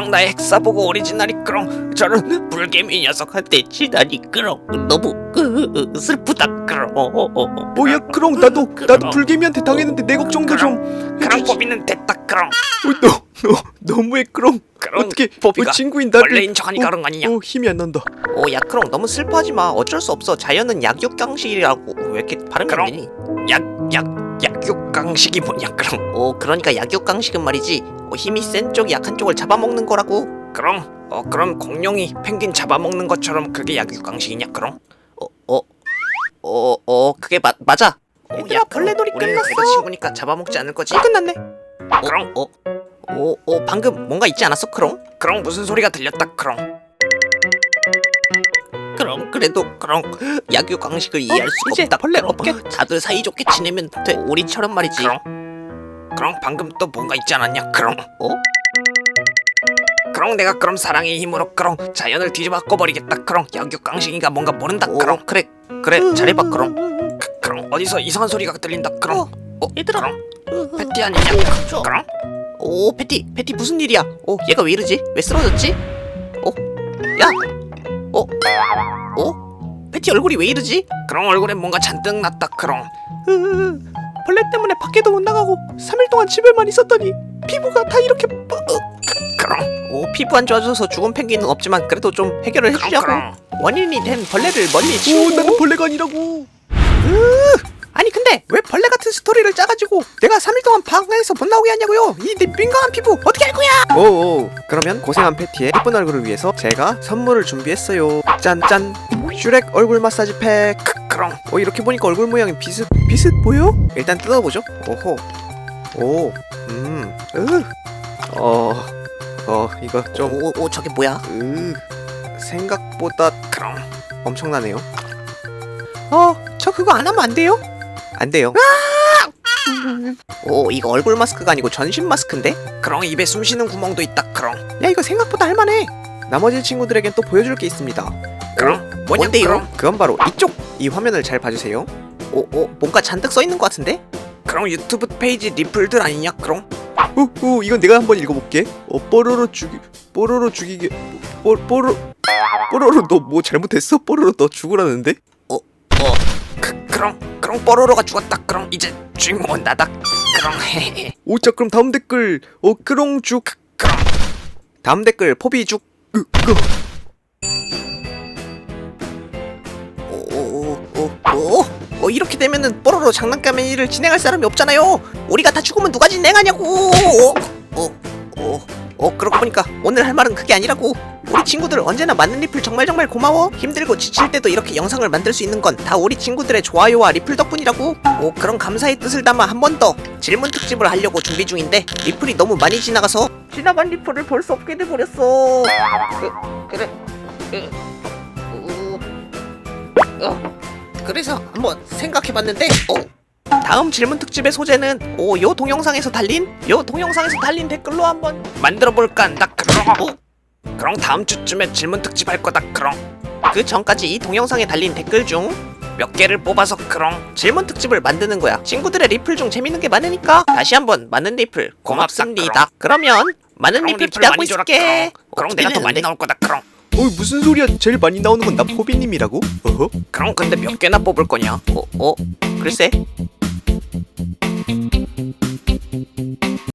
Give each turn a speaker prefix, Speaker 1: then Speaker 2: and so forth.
Speaker 1: 그럼 나의 헥사보고 오리지널이 그럼 저런 불개미 녀석한테 지다니 그럼 너무 슬프다 그럼.
Speaker 2: 뭐야 크롱, 나도 불개미한테 당했는데 내 걱정도 좀
Speaker 1: 그럼
Speaker 2: 해주지.
Speaker 1: 뽀비는 됐다 그럼.
Speaker 2: 너 너무해 크롱.
Speaker 1: 그럼
Speaker 2: 어떻게
Speaker 1: 뽀비가
Speaker 2: 친구인 나를
Speaker 1: 원래인 척하니까 그런 거 아니냐?
Speaker 2: 힘이 안 난다.
Speaker 3: 야 크롱 너무 슬퍼하지 마. 어쩔 수 없어. 자연은 약육강식이라고. 왜 이렇게 발음이 안
Speaker 1: 그럼.
Speaker 3: 되니?
Speaker 1: 약육강식이 뭐냐 그럼.
Speaker 3: 그러니까 약육강식은 말이지. 힘이 센 쪽이 약한 쪽을 잡아먹는 거라고.
Speaker 1: 그럼 공룡이 펭귄 잡아먹는 것처럼 그게 약육강식이냐 그럼.
Speaker 3: 그게 맞아. 얘들아, 벌레놀이 우리는 끝났어. 그래도 친구니까 잡아먹지 않을 거지?
Speaker 2: 끝났네.
Speaker 1: 그럼
Speaker 3: 방금 뭔가 있지 않았어 크롱?
Speaker 1: 그럼 무슨 소리가 들렸다 그럼.
Speaker 3: 그럼 그래도 그럼 약육강식을 이해할 수가
Speaker 2: 이제
Speaker 3: 없다.
Speaker 2: 벌레
Speaker 3: 그럼.
Speaker 2: 없겠-
Speaker 3: 다들 사이좋게 지내면 돼. 우리처럼 말이지.
Speaker 1: 그럼 방금 또 뭔가 있지 않았냐 그럼. 그럼 내가 그럼 사랑의 힘으로 그럼 자연을 뒤집어 꿔버리겠다 그럼. 약육강식이가 뭔가 모른다 그럼.
Speaker 3: 그래 잘해봐 그럼.
Speaker 1: 그럼 어디서 이상한 소리가 들린다 그럼.
Speaker 3: 얘들아.
Speaker 1: 그럼 패티 아니냐 그럼.
Speaker 3: 패티 무슨 일이야? 얘가 왜 이러지? 왜 쓰러졌지? 야! 패티 얼굴이 왜 이러지?
Speaker 1: 그럼 얼굴에 뭔가 잔뜩 났다 그럼.
Speaker 2: 벌레 때문에 밖에도 못 나가고 3일 동안 집에만 있었더니 피부가 다 이렇게
Speaker 1: 그럼
Speaker 3: 피부 안 좋아져서 죽은 펭귄은 없지만 그래도 좀 해결을 해주자고.
Speaker 1: 그럼.
Speaker 3: 원인이 된 벌레를 멀리
Speaker 2: 오,
Speaker 3: 치우고.
Speaker 2: 나는 벌레가 아니라고.
Speaker 3: 아니 근데 왜 벌레 같은 스토리를 짜가지고 내가 3일 동안 방에서 못 나오게 하냐고요? 이 내 민감한 피부 어떻게 할 거야?
Speaker 2: 그러면 고생한 패티의 예쁜 얼굴을 위해서 제가 선물을 준비했어요. 짠짠, 슈렉 얼굴 마사지 팩.
Speaker 1: 그럼
Speaker 2: 이렇게 보니까 얼굴 모양이 비슷 보여? 일단 뜯어보죠. 이거 좀
Speaker 3: 저게 뭐야?
Speaker 2: 생각보다
Speaker 1: 그럼
Speaker 2: 엄청나네요.
Speaker 3: 저 그거 안 하면 안 돼요?
Speaker 2: 안 돼요.
Speaker 3: 이거 얼굴 마스크가 아니고 전신 마스크인데?
Speaker 1: 그럼 입에 숨 쉬는 구멍도 있다 그럼.
Speaker 3: 야 이거 생각보다 할만해.
Speaker 2: 나머지 친구들에겐 또 보여줄 게 있습니다.
Speaker 1: 그럼 뭐냐
Speaker 3: 뭔데요?
Speaker 1: 그럼.
Speaker 2: 그건 바로 이쪽! 이 화면을 잘 봐주세요.
Speaker 3: 뭔가 잔뜩 써있는 것 같은데?
Speaker 1: 그럼 유튜브 페이지 리플들 아니냐 그럼.
Speaker 2: 이건 내가 한번 읽어볼게. 뽀로로 죽이게. 뽀로로 너 뭐 잘못했어? 뽀로로 너 죽으라는데?
Speaker 1: 그럼 뽀로로가 죽었다 그럼. 이제 주인공은 나다 그럼.
Speaker 2: 자 그럼 다음 댓글 크롱죽.
Speaker 1: 그럼
Speaker 2: 다음 댓글 포비죽.
Speaker 3: 이렇게 되면은 뽀로로 장난감의 진행할 사람이 없잖아요. 우리가 다 죽으면 누가 진행하냐고. 그러고 보니까 오늘 할 말은 그게 아니라고. 우리 친구들 언제나 많은 리플 정말 고마워. 힘들고 지칠 때도 이렇게 영상을 만들 수 있는 건 다 우리 친구들의 좋아요와 리플 덕분이라고. 그런 감사의 뜻을 담아 한 번 더 질문 특집을 하려고 준비 중인데 리플이 너무 많이 지나가서 지나간 리플을 볼 수 없게 돼버렸어. 그래서 한번 생각해봤는데 다음 질문 특집의 소재는 요 동영상에서 달린 댓글로 한번
Speaker 1: 만들어볼까 한다 그럼. 그럼 다음 주쯤에 질문 특집 할 거다 그럼.
Speaker 3: 그 전까지 이 동영상에 달린 댓글 중
Speaker 1: 몇 개를 뽑아서 그럼.
Speaker 3: 질문 특집을 만드는 거야. 친구들의 리플 중 재밌는 게 많으니까 다시 한번 많은 리플 고맙습니다. 그러면 많은
Speaker 1: 그럼
Speaker 3: 리플
Speaker 1: 리플
Speaker 3: 기대하고
Speaker 1: 많이 줘라,
Speaker 3: 있을게.
Speaker 1: 그럼 내가 더 많이 나올 거다 그럼.
Speaker 2: 무슨 소리야? 제일 많이 나오는 건 나 포비님이라고?
Speaker 1: 그럼 근데 몇 개나 뽑을 거냐?
Speaker 3: 글쎄.